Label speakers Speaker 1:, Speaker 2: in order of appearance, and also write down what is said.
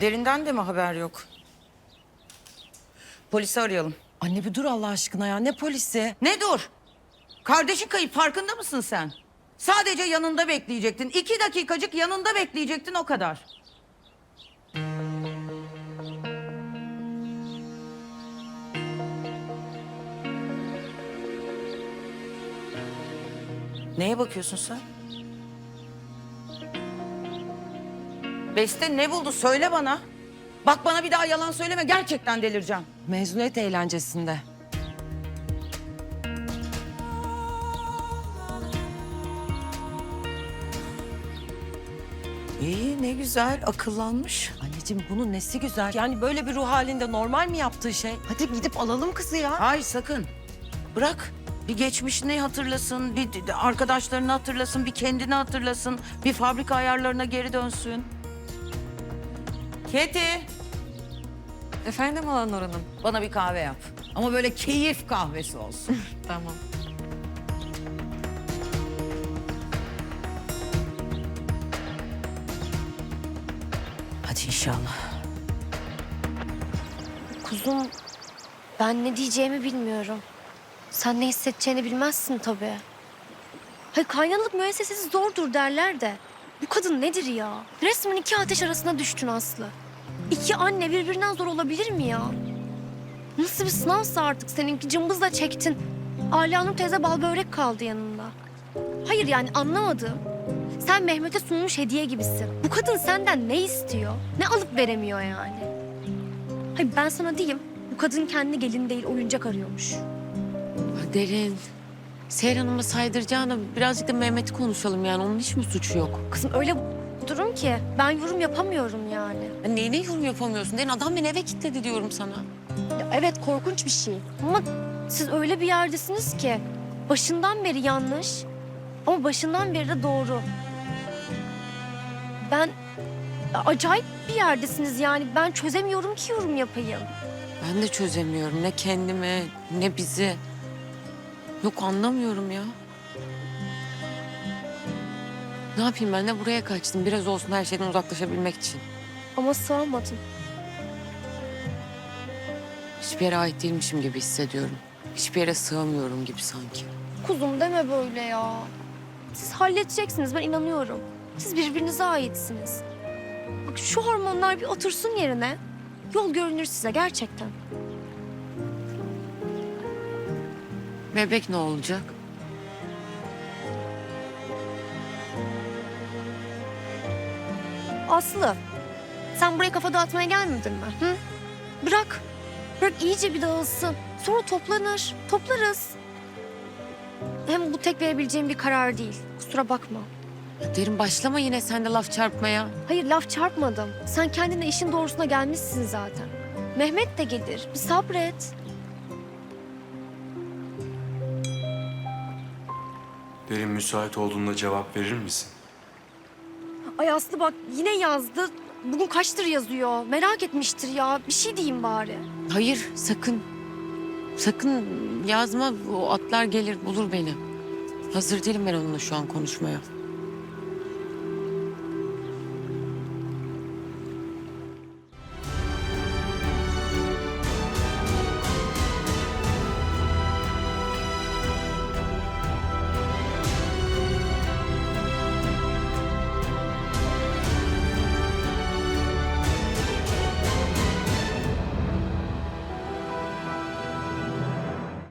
Speaker 1: Derinden de mi haber yok? Polisi arayalım.
Speaker 2: Anne bir dur Allah aşkına ya. Ne polisi?
Speaker 1: Ne dur? Kardeşin kayıp, farkında mısın sen? Sadece yanında bekleyecektin. 2 dakikacık yanında bekleyecektin, o kadar. Neye bakıyorsun sen? Beste ne buldu? Söyle bana. Bak bana bir daha yalan söyleme. Gerçekten delireceğim.
Speaker 2: Mezuniyet eğlencesinde.
Speaker 1: İyi, ne güzel. Akıllanmış.
Speaker 2: Anneciğim bunun nesi güzel? Yani böyle bir ruh halinde normal mi yaptığı şey? Hadi gidip alalım kızı ya.
Speaker 1: Hayır, sakın. Bırak. Bir geçmişini hatırlasın, bir arkadaşlarını hatırlasın, bir kendini hatırlasın. Bir fabrika ayarlarına geri dönsün. Keti,
Speaker 3: Efendim Alanur Hanım.
Speaker 1: bana bir kahve yap. Ama böyle keyif kahvesi olsun.
Speaker 3: Tamam.
Speaker 1: Hadi inşallah.
Speaker 4: Kuzum, ben ne diyeceğimi bilmiyorum. Sen ne hissedeceğini bilmezsin tabii. Hayır, kaynanalık müessesesi zordur derler de. Bu kadın nedir ya? Resmen iki ateş arasına düştün Aslı. İki anne birbirinden zor olabilir mi ya? Nasıl bir sınavsa artık seninki, cımbızla çektin. Ala Nur teyze bal börek kaldı yanında. Hayır yani anlamadım. Sen Mehmet'e sunmuş hediye gibisin. Bu kadın senden ne istiyor? Ne alıp veremiyor yani? Hayır ben sana diyeyim, bu kadın kendi gelin değil oyuncak arıyormuş.
Speaker 3: Derin. Seher Hanım'a saydıracağına birazcık da Mehmet'i konuşalım yani. Onun hiç mi suçu yok?
Speaker 4: Kızım öyle durum ki ben yorum yapamıyorum yani.
Speaker 3: Ya neyine yorum yapamıyorsun? Derin adam beni eve kilitledi diyorum sana.
Speaker 4: Ya evet korkunç bir şey ama siz öyle bir yerdesiniz ki başından beri yanlış ama başından beri de doğru. Ben acayip bir yerdesiniz yani ben çözemiyorum ki yorum yapayım.
Speaker 3: Ben de çözemiyorum. Ne kendimi ne bizi. Yok anlamıyorum ya. Ne yapayım ben de buraya kaçtım. Biraz olsun her şeyden uzaklaşabilmek için.
Speaker 4: Ama sığamadım.
Speaker 3: Hiçbir yere ait değilmişim gibi hissediyorum. Hiçbir yere sığamıyorum gibi sanki.
Speaker 4: Kuzum deme böyle ya. Siz halledeceksiniz ben inanıyorum. Siz birbirinize aitsiniz. Bak şu hormonlar bir otursun yerine yol görünür size gerçekten.
Speaker 3: Bebek ne olacak?
Speaker 4: Aslı, sen buraya kafa dağıtmaya gelmedin mi? Hı? Bırak. Bırak iyice bir dağılsın. Sonra toplanır. Toplarız. Hem bu tek verebileceğim bir karar değil. Kusura bakma.
Speaker 3: Ya Derin başlama yine sen de laf çarpmaya.
Speaker 4: Hayır laf çarpmadım. Sen kendine işin doğrusuna gelmişsin zaten. Mehmet de gelir. Bir sabret.
Speaker 5: Derin müsait olduğunda cevap verir misin?
Speaker 4: Ay Aslı bak yine yazdı. Bugün kaçtır yazıyor. Merak etmiştir ya. Bir şey diyeyim bari.
Speaker 3: Hayır sakın. Sakın yazma. O atlar gelir bulur beni. Hazır değilim ben onunla şu an konuşmaya.